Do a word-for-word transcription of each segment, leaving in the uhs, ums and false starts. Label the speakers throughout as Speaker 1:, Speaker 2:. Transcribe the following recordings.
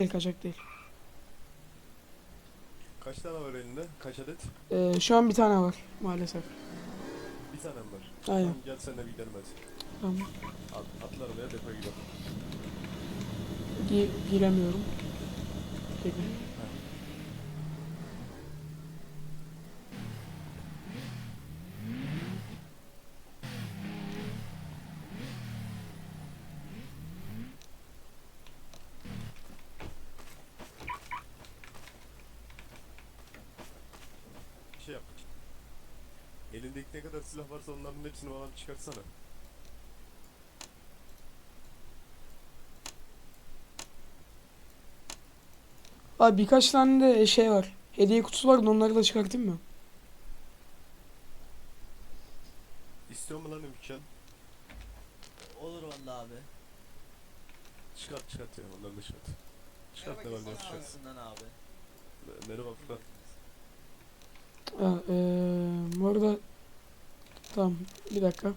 Speaker 1: Kaçak değil.
Speaker 2: Kaç tane var elinde? Kaç adet?
Speaker 1: Ee, şu an bir tane var maalesef.
Speaker 2: Bir tane mi var?
Speaker 1: Aynen.
Speaker 2: Tamam gel seninle bir gidelim hadi.
Speaker 1: Tamam.
Speaker 2: At, atla arabaya depoya gidelim.
Speaker 1: Gi giremiyorum. Peki.
Speaker 2: Heh. Bir şey yap. Elindeki ne kadar silah varsa onların hepsini bana bir çıkartsana.
Speaker 1: Abi birkaç tane de şey var. Hediye kutusu var da onları da çıkartayım mı?
Speaker 2: İstiyor mu lan imkan?
Speaker 3: Olur vallahi abi.
Speaker 2: Çıkart çıkart ya onları da çıkart. Çıkart ne var ne yok
Speaker 3: Bana
Speaker 2: çıkart.
Speaker 3: alsından abi.
Speaker 2: Ne- Nereye bak lan?
Speaker 1: Ha, ee, bu arada tamam bir dakika.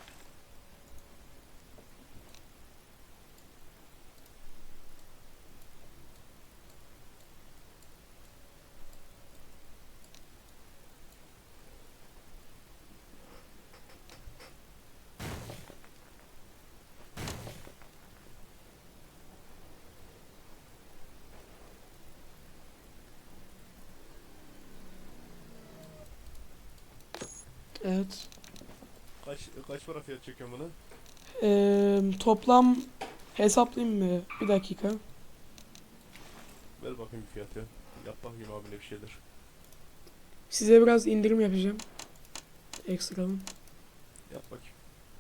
Speaker 1: Evet.
Speaker 2: Kaç kaç para fiyat çekiyorsun buna?
Speaker 1: Ee, toplam hesaplayayım mı? Bir dakika.
Speaker 2: Ver bakayım bir fiyat ya. Yap bakayım abine bir şeyler.
Speaker 1: Size biraz indirim yapacağım. Ekstradan.
Speaker 2: Yap bakayım.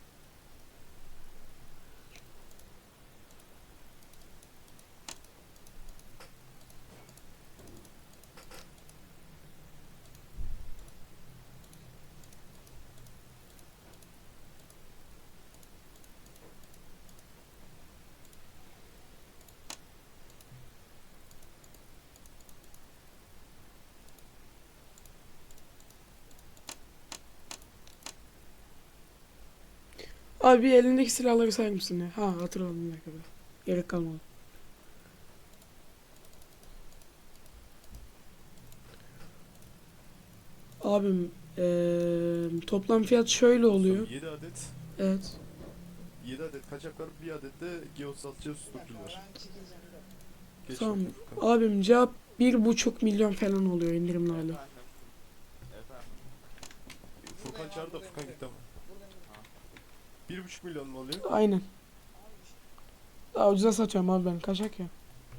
Speaker 1: Abi bir elindeki silahları sayar mısın ya? Ha hatırladım bir dakika. Gerek kalmadı. Abim ee, toplam fiyat şöyle oluyor.
Speaker 2: yedi adet.
Speaker 1: Evet.
Speaker 2: yedi adet kaçak var, bir adet de geosaltçı susturucu var. Geç
Speaker 1: Tamam.
Speaker 2: bakayım Furkan.
Speaker 1: Abim cevap bir buçuk milyon falan oluyor indirimlerle.
Speaker 3: Efendim. Efendim.
Speaker 2: Furkan çağır da Furkan git ama. Bir buçuk milyon mu oluyor?
Speaker 1: Aynen. Daha ucuza satıyorum abi ben. Kaçak ya.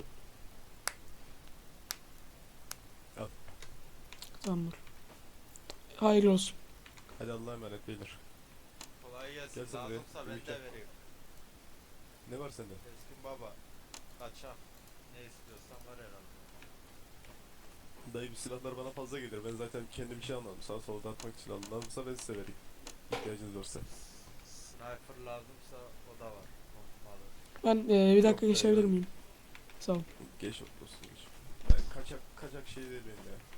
Speaker 2: Al.
Speaker 1: Tamamdır. Hayırlı olsun.
Speaker 2: Hadi Allah'a emanet beyler.
Speaker 3: Kolay gelsin.
Speaker 2: Gel sen buraya,
Speaker 3: Lazımsa ben
Speaker 2: yürü gel.
Speaker 3: de vereyim.
Speaker 2: Ne var sende?
Speaker 3: Keskin baba. Kaçak. Ne istiyorsan var herhalde.
Speaker 2: Dayı bir silahlar bana fazla gelir. Ben zaten kendim bir şey almadım. Sağa sola dağıtmak için aldım. Lazımsa ben size vereyim. İhtiyacınız olursa.
Speaker 3: Sniper lazımsa o da var. Pompalı.
Speaker 1: Ben ee, bir dakika
Speaker 2: Yok,
Speaker 1: geçebilir
Speaker 2: ben-
Speaker 1: miyim? Sağ ol.
Speaker 2: Geç olsun geç. Ben kaçak kaçak şey değil benim ya.